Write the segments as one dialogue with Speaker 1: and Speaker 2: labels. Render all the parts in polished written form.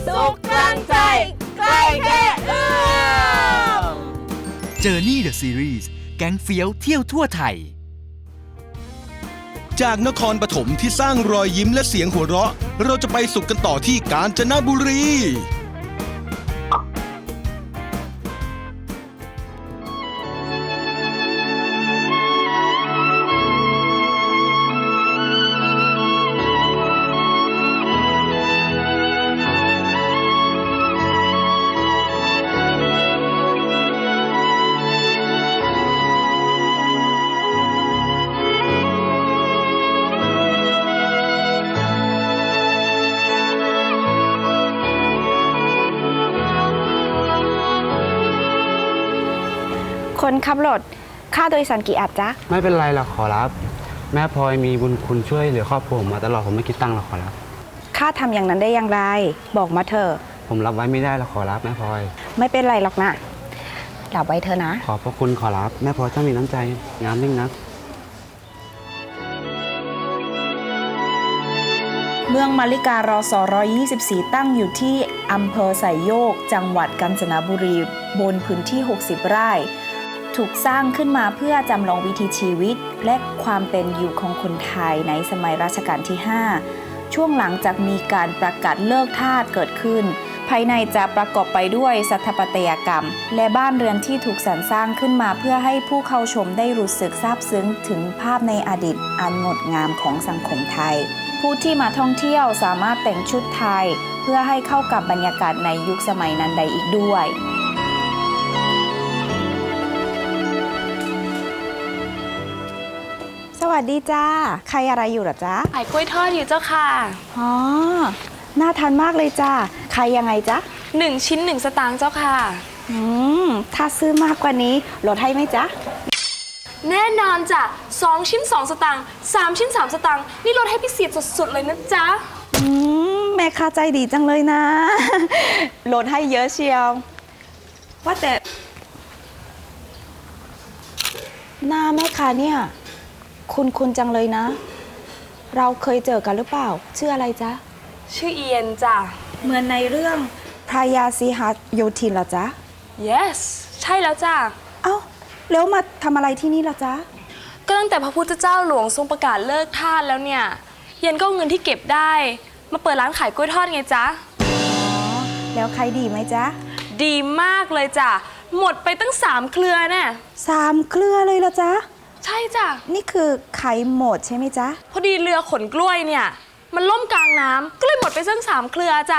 Speaker 1: สุขกลางใจใกล้แค่เอื้อม
Speaker 2: Journey the Series แก๊งเฟี้ยวเที่ยวทั่วไทย
Speaker 3: จากนครปฐมที่สร้างรอยยิ้มและเสียงหัวเราะเราจะไปสุขกันต่อที่กาญจนบุรี
Speaker 4: คนขับรถค่าโดยสารกี่อัดจ๊ะ
Speaker 5: ไม่เป็นไรหรอกขอรับ แม่พลอยมีบุญคุณช่วยเหลือครอบครัวผมมาตลอดผมไม่คิดตังค์หรอกขอรับ
Speaker 4: ค่าทำอย่างนั้นได้อย่างไร บอกมาเถอะ
Speaker 5: ผมรับไว้ไม่ได้หรอกขอรับแม่พลอย
Speaker 4: ไม่เป็นไรหรอกนะรับไว้เถอะนะ
Speaker 5: ขอบพระคุณขอรับแม่พลอยถ้ามีน้ำใจงามยิ่งนัก
Speaker 6: เมืองมาริการอส124 ตั้งอยู่ที่อำเภอไซโยกจังหวัดกาญจนบุรีบนพื้นที่ 60 ไร่ ถูกสร้างขึ้นมาเพื่อจำลองวิถีชีวิตและความเป็นอยู่ของคนไทยในสมัยรัชกาลที่ 5 ช่วงหลังจากมีการประกาศเลิกทาสเกิดขึ้น ภายในจะประกอบไปด้วยสถาปัตยกรรม และบ้านเรือนที่ถูกสรรสร้างขึ้นมาเพื่อให้ผู้เข้าชมได้รู้สึกซาบซึ้งถึงภาพในอดีตอันงดงามของสังคมไทย ผู้ที่มาท่องเที่ยวสามารถแต่งชุดไทยเพื่อให้เข้ากับบรรยากาศในยุคสมัยนั้นได้อีกด้วย
Speaker 4: สวัสดีจ้าใครอะไรอยู่หรอจ๊ะ
Speaker 1: ขายกล้วยทอดอยู่เจ้าค่ะ
Speaker 4: อ๋อน่าทานมากเลยจ้าใครยังไงจ๊ะ
Speaker 1: 1 ชิ้น 1 สตางค์เจ้าค่ะ
Speaker 4: ถ้าซื้อมากกว่านี้ลดให้ไหมจ๊ะ
Speaker 1: แน่นอนจ้ะ2 ชิ้น 2 สตางค์3 ชิ้น 3 สตางค์นี่ลดให้พิเศษสุดๆเลยนะจ๊ะ
Speaker 4: แม่ค้าใจดีจังเลยนะ ลดให้เยอะเชียว ว่าแต่ หน้าแม่ค้าเนี่ยคุณจังเลยนะ เราเคยเจอกันหรือเปล่า ชื่ออะไรจ๊ะ
Speaker 1: ชื่อเอียนจ้ะ
Speaker 4: เหมือนในเรื่องพระยาสีหโยธินเหรอจ๊ะ
Speaker 1: yes ใช่แล้วจ้ะ
Speaker 4: เอ้าแล้วมาทำอะไรที่นี่ล่ะจ๊ะ
Speaker 1: ก็ตั้งแต่พระพุทธเจ้าหลวงทรงประกาศเลิกทาสแล้วเนี่ย เย็นก็เอาเงินที่เก็บได้ มาเปิดร้านขายกล้วยทอดไงจ๊ะ
Speaker 4: แล้วใครดีไหมจ๊ะ
Speaker 1: ดีมากเลยจ้ะ หมดไปตั้ง3 เครือแน่
Speaker 4: 3 เครือเลยเหรอจ๊ะ
Speaker 1: ใช่จ้ะ
Speaker 4: นี่คือไข่หมดใช่ไหมจ๊ะ
Speaker 1: พอดีเรือขนกล้วยเนี่ย มันล่มกลางน้ำก็เลยหมดไปตั้ง3 เครือจ้ะ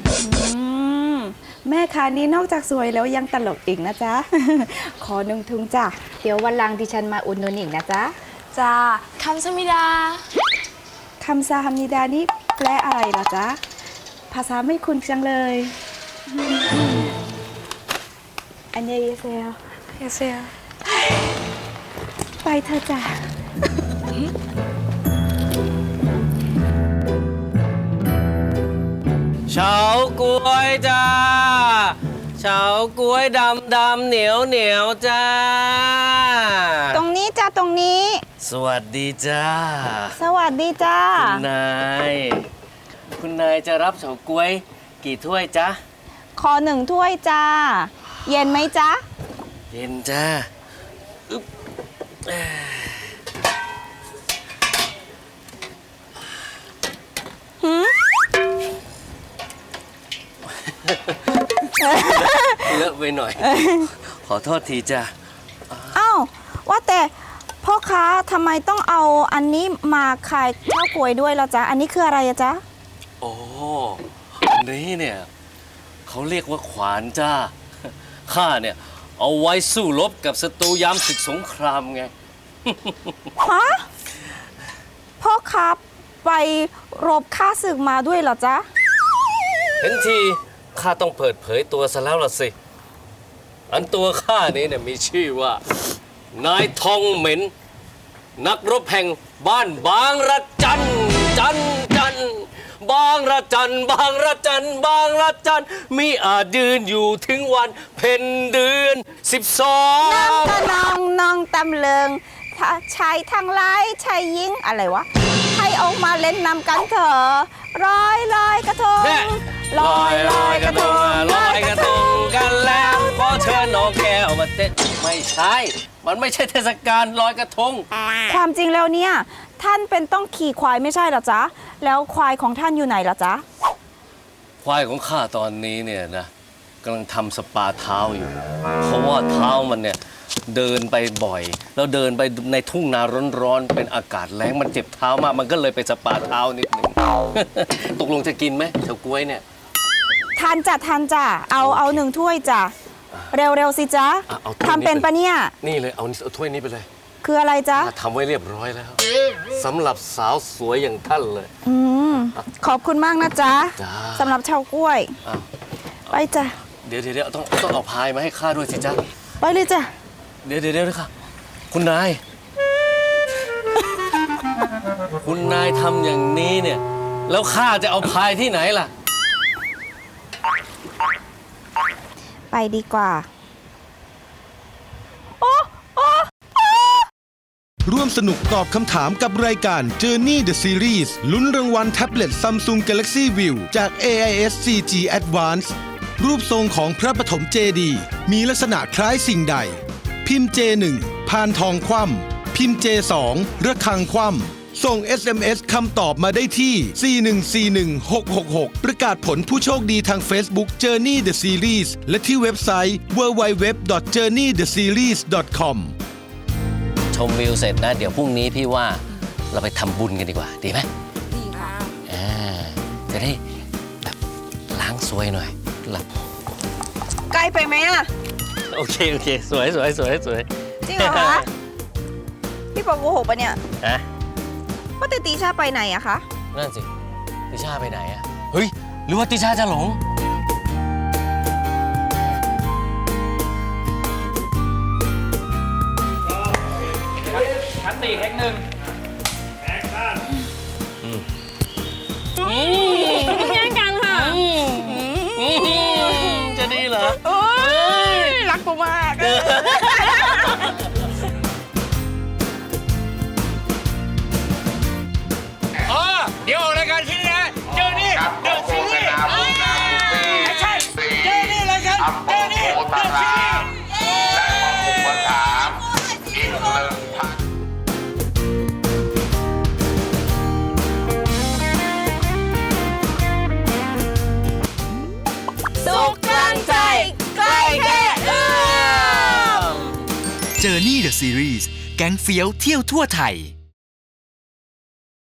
Speaker 4: แม่ค้านี้นอกจากสวยแล้วยังตลกอีกนะจ๊ะ ขอ1 ถุงจ้ะ เดี๋ยววันหลังดิฉันมาอุดหนุนอีกนะจ๊ะ
Speaker 1: จ้าคำสมิดา
Speaker 4: คำซาฮัมนิดานี่แปลอะไรล่ะจ๊ะ ภาษาไม่คุ้นจังเลย อันเยเซล
Speaker 1: เยเซีย
Speaker 4: ไปเถอะจ้ะ
Speaker 7: เฉาก๊วยจ้าเฉาก๊วยดำเหนียวจ้า
Speaker 4: ตรงนี้จ้ะตรงนี้
Speaker 7: สวัสดีจ้า
Speaker 4: สวัสดีจ้า
Speaker 7: คุณนายจะรับเฉาก๊วยกี่ถ้วยจ๊ะ
Speaker 4: ขอ1 ถ้วยจ้า เย็นไหมจ๊ะ
Speaker 7: เย็นจ้าอึ๊บเลอะไปหน่อย ขอโทษทีจ้า
Speaker 4: เอ้าว่าแต่พ่อค้าทำไมต้องเอาอันนี้มาขายข้าวกล้วยด้วยล่ะจ๊ะ อันนี้คืออะไรอะจ๊ะ
Speaker 7: โอ้อันนี้เนี่ยเขาเรียกว่าขวานจ้า ข้าเนี่ยเอาไว้สู้รบกับศัตรูยามศึกสงครามไง
Speaker 4: ฮะ พ่อค้าไปรบฆ่าศึกมาด้วยเหรอจ๊ะ
Speaker 7: เห็นทีข้าต้องเปิดเผยตัวซะแล้วล่ะสิ อันตัวข้านี้เนี่ยมีชื่อว่า นายทองเหม็น นักรบแห่งบ้านบางระจัน บางระจัน มีอาจยืนอยู่ถึงวันเพ็ญเดือน12
Speaker 4: น้ำตะนองตำเลิงชายทั้งหลายชายหญิงอะไรวะ ให้ออกมาเล่นน้ำกันเถอะลอยกระทง
Speaker 7: แน่
Speaker 4: ลอย
Speaker 7: มาเต้นไม่ใช่มันไม่ใช่เทศกาลลอยกระทง
Speaker 4: ความจริงแล้วเนี่ยท่านเป็นต้องขี่ควายไม่ใช่เหรอจ๊ะแล้วควายของท่านอยู่ไหนล่ะจ๊ะ
Speaker 7: ควายของข้าตอนนี้เนี่ยนะกำลังทำสปาเท้าอยู่ เพราะว่าเท้ามันเนี่ยเดินไปบ่อย แล้วเดินไปในทุ่งนาร้อนๆเป็นอากาศแล้งมันเจ็บเท้ามากมันก็เลยไปสปาเท้านิดหนึ่ง ตกลงจะกินไหมเฉาก๊วยเนี่ย
Speaker 4: ทานจ้ะเอา1 ถ้วยจ้ะเร็วๆสิจ๊ะ
Speaker 7: เอาถ้วยนี้
Speaker 4: ทำเป็นปะเนี่ย
Speaker 7: นี่เลยเอาถ้วยนี้ไปเลย
Speaker 4: คืออะไรจ๊ะ
Speaker 7: ข้าทำไว้เรียบร้อยแล้วสำหรับสาวสวยอย่างท่านเลย
Speaker 4: ขอบคุณมากนะจ๊ะ
Speaker 7: จ้า
Speaker 4: สำหรับชาวกล้วย
Speaker 7: อ้าว
Speaker 4: ไปจ้ะ
Speaker 7: เดี๋ยวต้องเอาพายมาให้ข้าด้วยสิจ๊ะ
Speaker 4: ไปเลยจ้ะ
Speaker 7: เดี๋ยวค่ะ คุณนาย คุณนายทำอย่างนี้เนี่ย แล้วข้าจะเอาพายที่ไหนล่ะ
Speaker 4: ไปดีกว่า
Speaker 3: ร่วมสนุกตอบคำถามกับรายการ Journey the Series ลุ้นรางวัลแท็บเล็ต Samsung Galaxy View จาก AIS 4G Advance รูปทรงของพระปฐมเจดีย์มีลักษณะคล้ายสิ่งใด พิมพ์ J1 พานทองคว่ำพิมพ์ J2 ระฆังคว่ำส่ง SMS คำตอบมาได้ที่ 4141666 ประกาศผลผู้โชคดีทาง Facebook Journey the Series และที่เว็บไซต์ www.journeytheseries.com
Speaker 7: ชมวิวเสร็จนะ เดี๋ยวพรุ่งนี้พี่ว่าเราไปทำบุญกันดีกว่า ดีไหมดีค่ะจะได้แบบล้างซวยหน่อยหลับ
Speaker 4: ใกล้ไปไหมอ่ะ
Speaker 7: โอเค สวย
Speaker 4: จริงเหรอคะ พี่ปอโกหกปะเนี่ย
Speaker 7: ฮะ
Speaker 4: ว่าแต่ตีชาไปไหนอะคะ
Speaker 7: นั่นสิ ติชาไปไหนอะเฮ้ย หรือว่าติชาจะหลง
Speaker 5: ชั้น4เทคหนึ่ง
Speaker 1: แย่งกันค่ะ
Speaker 7: จะดีเหรอ
Speaker 4: รักกูมาก
Speaker 5: เดี๋ยวออกรายการที่นี่นะเจอนี่เดอะซีรีส์ใช่เจอนี่เลยครับเจอนี่เดอะซีรีส์
Speaker 1: สุขกลางใจ ใกล้แค่เอื้อม
Speaker 2: Journey the Series แก๊งเฟี้ยวเที่ยวทั่วไทย